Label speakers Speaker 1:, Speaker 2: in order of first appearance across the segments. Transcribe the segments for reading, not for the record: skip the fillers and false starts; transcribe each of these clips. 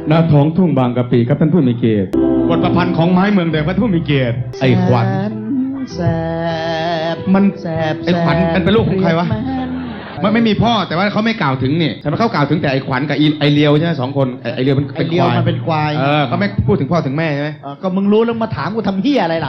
Speaker 1: ณท้องทุ่งบางกะปิครับท่านผู้มีเกียรติบทประพันธ์ของไม้เมืองแดงท่านผู้มีเกียรติไอ้ขวัญ
Speaker 2: แสบ
Speaker 1: มันแสบไอ้ขวัญมันเป็นลูกของใครวะมันไม่มีพ่อแต่ว่าเขาไม่กล่าวถึงนี่แต่เขากล่าวถึงแต่ไอ้ขวัญกับไอ้เลียวใช่ไหม2 คนไอ้เลียวมันเป็นควาย
Speaker 2: มันเป็นควาย
Speaker 1: เขาไม่พูดถึงพ่อถึงแม่ใช่ไหม
Speaker 2: ก็มึงรู้แล้วมาถามกูทำเหี้ยอะไรล่ะ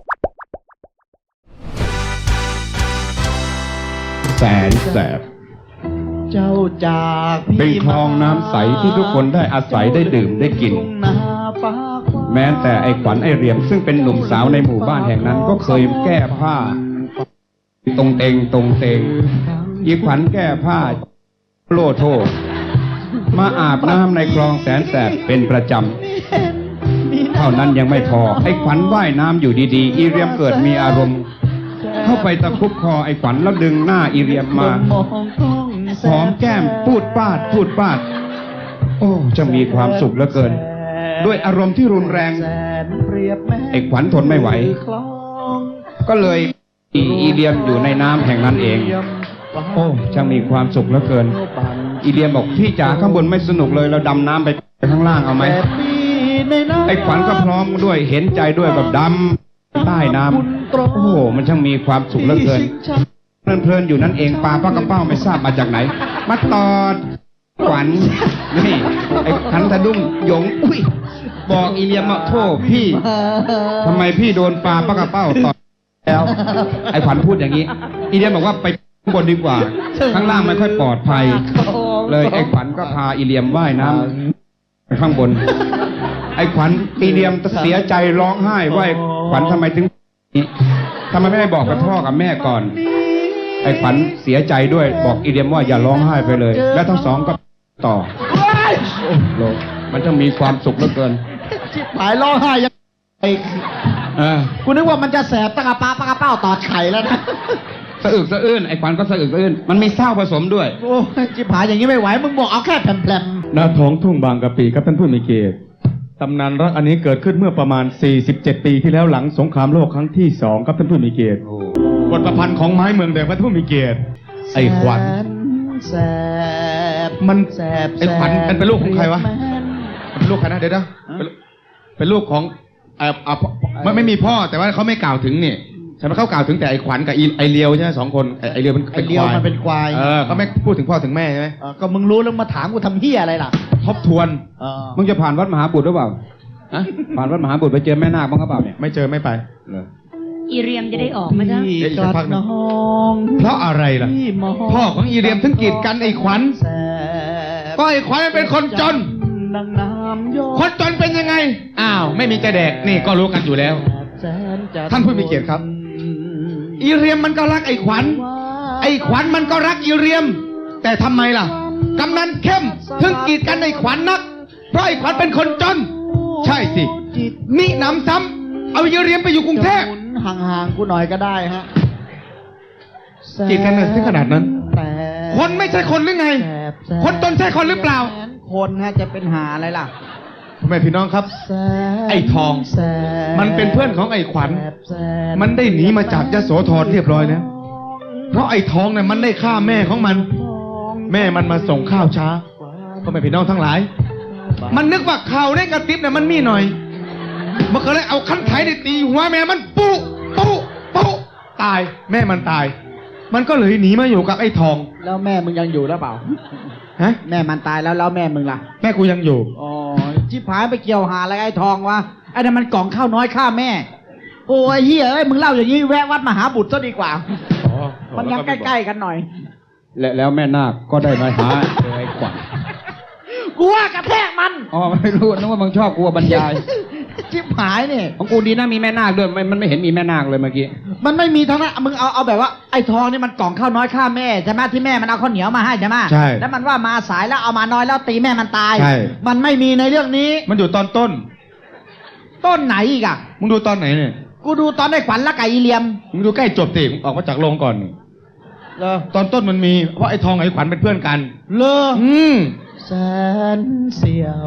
Speaker 1: แสนแสบ
Speaker 2: เจ้าจาก
Speaker 1: เป็นคลองน้ำใสที่ทุกคนได้อาศัยได้ดื่มได้กินแม้แต่ไอ้ขวัญไอ้เรียมซึ่งเป็นหนุ่มสาวในหมู่บ้านแห่งนั้นก็เคยแก้ผ้าตรงเตงอีขวัญแก้ผ้าโลโทมาอาบน้ำในคลองแสนแสบเป็นประจำเท่านั้นยังไม่พอไอ้ขวัญว่ายน้ำอยู่ดีๆอีเรียมเกิดมีอารมณ์เข้าไปตะคุบคอไอ้ขวัญแล้วดึงหน้าอีเรียมมาหอมแก้มพูดปาดโอ้จะมีความสุขเหลือเกินด้วยอารมณ์ที่รุนแรงไอ้ขวัญทนไม่ไหวก็เลยอีเลียมอยู่ในน้ำแห่งนั้นเองโอ้จะมีความสุขเหลือเกินอีเลียมบอกพี่จ๋าข้างบนไม่สนุกเลยเราดำน้ำไปข้างล่างเอาไหมไอ้ขวัญก็พร้อมด้วยเห็นใจด้วยแบบดำใต้น้ำโอ้โหมันช่างมีความสุขเหลือเกินเพลินอยู่นั่นเองปลาปลากระเป้าไม่ทราบมาจากไหนมาตอดขวัญนี่ไอ้ขันทะดุ้งหยงอุ้ยบอกอีเลียมว่าโทษพี่ทำไมพี่โดนปลาปลากระเป้าตอดแล้วไอ้ขวัญพูดอย่างนี้อีเลียมบอกว่าไปข้างบนดีกว่าข้างล่างไม่ค่อยปลอดภัยเลยไอ้ขวัญก็พาอีเลียมว่ายน้ำไปข้างบนไอ้ขวัญอีเลียมเสียใจร้องไห้ว่าขวัญทำไมไม่ได้บอกกับพ่อกับแม่ก่อนไอ้ขวัญเสียใจด้วยบอกอีเลียมว่าอย่าร้องไห้ไปเลยและทั้งสองก็ต่อโอ้โหมันจะมีความสุขเหลือเกิน
Speaker 2: ชิบหายร้องไห้ยังไอ้กูนึกว่ามันจะแสบตะกะปลากระเป้าตอดไข่แล้วนะ
Speaker 1: สะอึกสะอื้นไอ้ขวัญก็สะอึกสะอื้นมันมีเศร้าผสมด้วย
Speaker 2: โอ้ชิบหายอย่างนี้ไม่ไหวมึงบอกเอาแค่แผ่น
Speaker 1: ณท้องทุ่งบางกะปิครับท่านผู้มีเกียรติตำนานรักอันนี้เกิดขึ้นเมื่อประมาณ47 ปีที่แล้วหลังสงครามโลกครั้งที่2ครับท่านผู้มีเกียรติบทประพันธ์ของไม้เมืองแดงท่านผู้มีเกียรติไอ้ขวัญ
Speaker 2: แสบ
Speaker 1: มันแสบไอ้ขวัญมันเป็นลูกของใครวะเป็นลูกใครนะเดี๋ยวเป็นลูกของมันไม่มีพ่อแต่ว่าเขาไม่กล่าวถึงนี่ใช่ไหมเขากล่าวถึงแต่ไอ้ขวัญกับไอ้เลียวใช่ไหม2 คนไอ้เลียวมันเป็นควาย
Speaker 2: มันเป็นควาย
Speaker 1: เขาไม่พูดถึงพ่อถึงแม่ใช่ไหม
Speaker 2: ก็มึงรู้แล้วมาถามกูทำเหี้ยอะไรล่ะ
Speaker 1: ทบทวนมึงจะผ่านวัดมหาบุตรหรือเปล่าผ่านวัดมหาบุตรไปเจอแม่นาคบ้างหรือเปล่าเนี่ยไม่เจอไม่ไป
Speaker 3: อีเรียมจะได้ออกไหมจ๊ะ
Speaker 1: เพราะอะไรล่ะพ่อของอีเรียมถึงกีดกันไอ้ขวัญก็ไอ้ขวัญเป็นคนจนคนจนเป็นยังไงอ้าวไม่มีจะแดกนี่ก็รู้กันอยู่แล้วท่านผู้มีเกียรติครับอีเรียมมันก็รักไอ้ขวัญมันก็รักอีเรียมแต่ทำไมล่ะกำนันเข้มถึงกีดกันไอ้ขวัญนักเพราะไอ้ขวัญเป็นคนจนใช่สิมิหนำซ้ำเอาอีเรียมไปอยู่กรุงเทพ
Speaker 2: ห่างๆกูหน่อยก็ได้ฮะ
Speaker 1: กีดกันถึงขนาดนั้นคนไม่ใช่คนหรือไงคนจนใช่คนหรือเปล่า
Speaker 2: คนฮะจะเป็นหาอะไรล่ะ
Speaker 1: แม่พี่น้องครับไอ้ทองมันเป็นเพื่อนของไอ้ขวัญมันได้หนีมาจากยโสธรเรียบร้อยแล้วเพราะไอ้ทองเนี่ยมันได้ฆ่าแม่ของมันแม่มันมาส่งข้าวช้าพ่อแม่พี่น้องทั้งหลายมันนึกว่าข่าวได้กระติบเนี่ยมันมีหน่อยมันก็เลยเอาคันไถได้ตีหัวแม่มันปุ๊ตายแม่มันตายมันก็เลยหนีมาอยู่กับไอ้ทอง
Speaker 2: แล้วแม่มึงยังอยู่หรือเปล่า
Speaker 1: ฮะ
Speaker 2: แม่มันตายแล้วแม่มึงล่ะ
Speaker 1: แม่กูยังอยู่
Speaker 2: อ๋อชิบหายไปเกี่ยวหาอะไรไอ้ทองวะไอ้นั่นมันกล่องข้าวน้อยฆ่าแม่โอ้ยเฮียเอ้ยมึงเล่าอย่างนี้แวะวัดมหาบุตรซะดีกว่ามันยังใกล้ๆกันหน่อย
Speaker 1: แล้วแม่นาคก็ได้มาหาไอ้ขวัญ
Speaker 2: กูว่ากระแทกมัน
Speaker 1: อ๋อไม่รู้นึกว่ามึงชอบกูบรรยาย
Speaker 2: ชิบหายเนี่ย
Speaker 1: ของกูดีนะมีแม่นาคด้วยมันไม่เห็นมีแม่นาคเลยเมื่อกี้
Speaker 2: มันไม่มีทั้งนั้นมึงเอาแบบว่าไอ้ทองนี่มันกล่องข้าวน้อยฆ่าแม่ใช่ไหมที่แม่มันเอาข้าวเหนียวมาให้ใช่ไหม
Speaker 1: ใช่
Speaker 2: แล้วมันว่ามาสายแล้วเอามาน้อยแล้วตีแม่มันตายใช่มันไม่มีในเรื่องนี้
Speaker 1: มันอยู่ตอนต้น
Speaker 2: ไหนอีกอ่ะ
Speaker 1: มึงดูตอนไหนเนี่ย
Speaker 2: กูดูตอนไอ้ขวัญและไก่อีเลียม
Speaker 1: มึงดูใกล้จบติออกมาจากโรงก่อนตอนต้นมันมีเพราะไอ้ทองไอ้ขวัญเป็นเพื่อนกัน
Speaker 2: แสนเสียว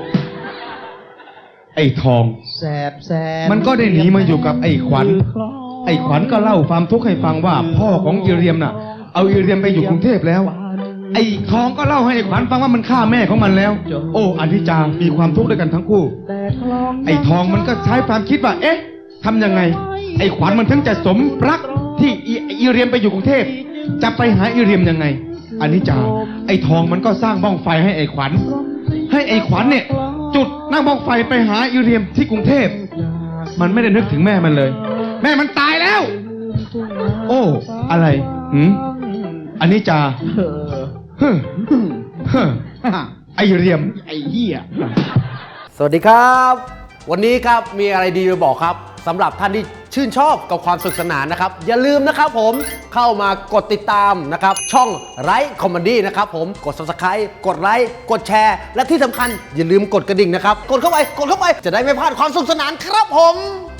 Speaker 1: ไอ้ทอง
Speaker 2: แสบ
Speaker 1: มันก็ได้หนีมาอยู่กับไอ้ขวัญก็เล่าความทุกข์ให้ฟังว่าพ่อของอีเรียมน่ะเอาอีเรียมไปอยู่กรุงเทพแล้ว
Speaker 4: ไอ้ทองก็เล่าให้ไอ้ขวัญฟังว่ามันฆ่าแม่ของมันแล้ว โอ้อนิจจามีความทุกข์ด้วยกันทั้งคู่ ไอ้ทองมันก็ใช้ความคิดว่า เอ๊ะทำยังไง ไอ้ขวัญมันถึงจะสมรักที่อีเรียมไปอยู่กรุงเทพจะไปหาอีเรียมยังไงอนิจจาไอ้ทองมันก็สร้างบ้องไฟให้ไอ้ขวัญให้ไอ้ขวัญเนี่ยจุดนั่งบ้องไฟไปหาอีเรียมที่กรุงเทพมันไม่ได้นึกถึงแม่มันเลย แม่มันตายแล้ว โอ้อะไรอนิจจาเฮ้อเฮ้อไอ้เรียม
Speaker 2: ไอ้เหี้ย
Speaker 5: สวัสดีครับ วันนี้ครับมีอะไรดีมาบอกครับสำหรับท่านที่ชื่นชอบกับความสนุกสนานนะครับอย่าลืมนะครับผมเข้ามากดติดตามนะครับช่องไลฟ์คอมเมดี้นะครับผมกด Subscribe กดไลค์กดแชร์และที่สำคัญอย่าลืมกดกระดิ่งนะครับกดเข้าไปจะได้ไม่พลาดความสนุกสนานครับผม